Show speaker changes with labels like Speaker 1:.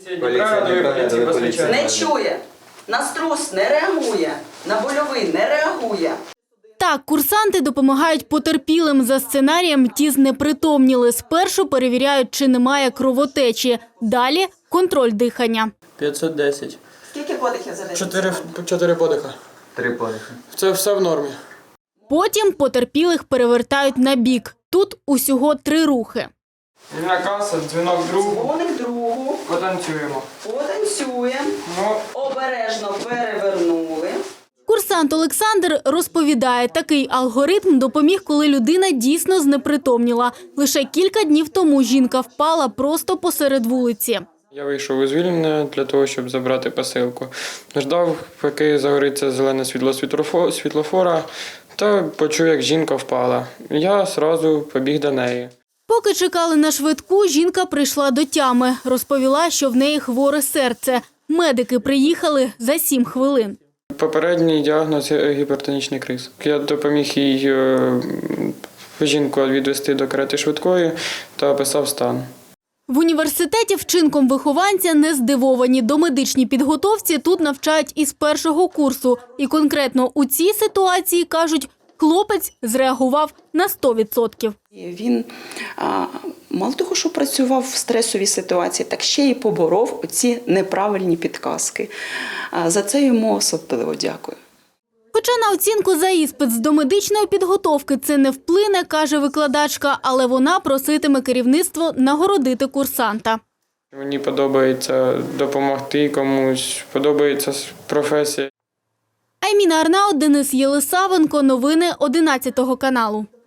Speaker 1: Не чує, на струс не реагує, на больовий не реагує.
Speaker 2: Так, курсанти допомагають потерпілим. За сценарієм ті знепритомніли. Спершу перевіряють, чи немає кровотечі. Далі – контроль дихання.
Speaker 3: 510.
Speaker 1: Скільки подихів за день?
Speaker 3: 4 подиха.
Speaker 4: 3 подихи.
Speaker 3: Це все в нормі.
Speaker 2: Потім потерпілих перевертають на бік. Тут усього 3 рухи.
Speaker 3: Вільна каса, дзвінок другу.
Speaker 1: Дзвоник другу.
Speaker 3: Потанцюємо.
Speaker 1: Потанцюємо. Обережно перевернули.
Speaker 2: Курсант Олександр розповідає, такий алгоритм допоміг, коли людина дійсно знепритомніла. Лише кілька днів тому жінка впала просто посеред вулиці.
Speaker 3: Я вийшов у звільнення для того, щоб забрати посилку. Ждав, поки загориться зелене світло світлофора, та почув, як жінка впала. Я одразу побіг до неї.
Speaker 2: Поки чекали на швидку, жінка прийшла до тями. Розповіла, що в неї хворе серце. Медики приїхали за 7 хвилин.
Speaker 3: Попередній діагноз – гіпертонічний криз. Я допоміг їй жінку відвести до карети швидкої та описав стан.
Speaker 2: В університеті вчинком вихованця не здивовані. До медичній підготовці тут навчають із першого курсу. І конкретно у цій ситуації, кажуть, хлопець зреагував на 100%.
Speaker 1: Він мало того, що працював в стресовій ситуації, так ще й поборов оці неправильні підказки. За це йому особливо дякую.
Speaker 2: Хоча на оцінку за іспит з домедичної підготовки це не вплине, каже викладачка, але вона проситиме керівництво нагородити курсанта.
Speaker 3: Мені подобається допомогти комусь, подобається професія.
Speaker 2: Айміна Арнаут, Денис Єлисавенко. Новини 11 каналу.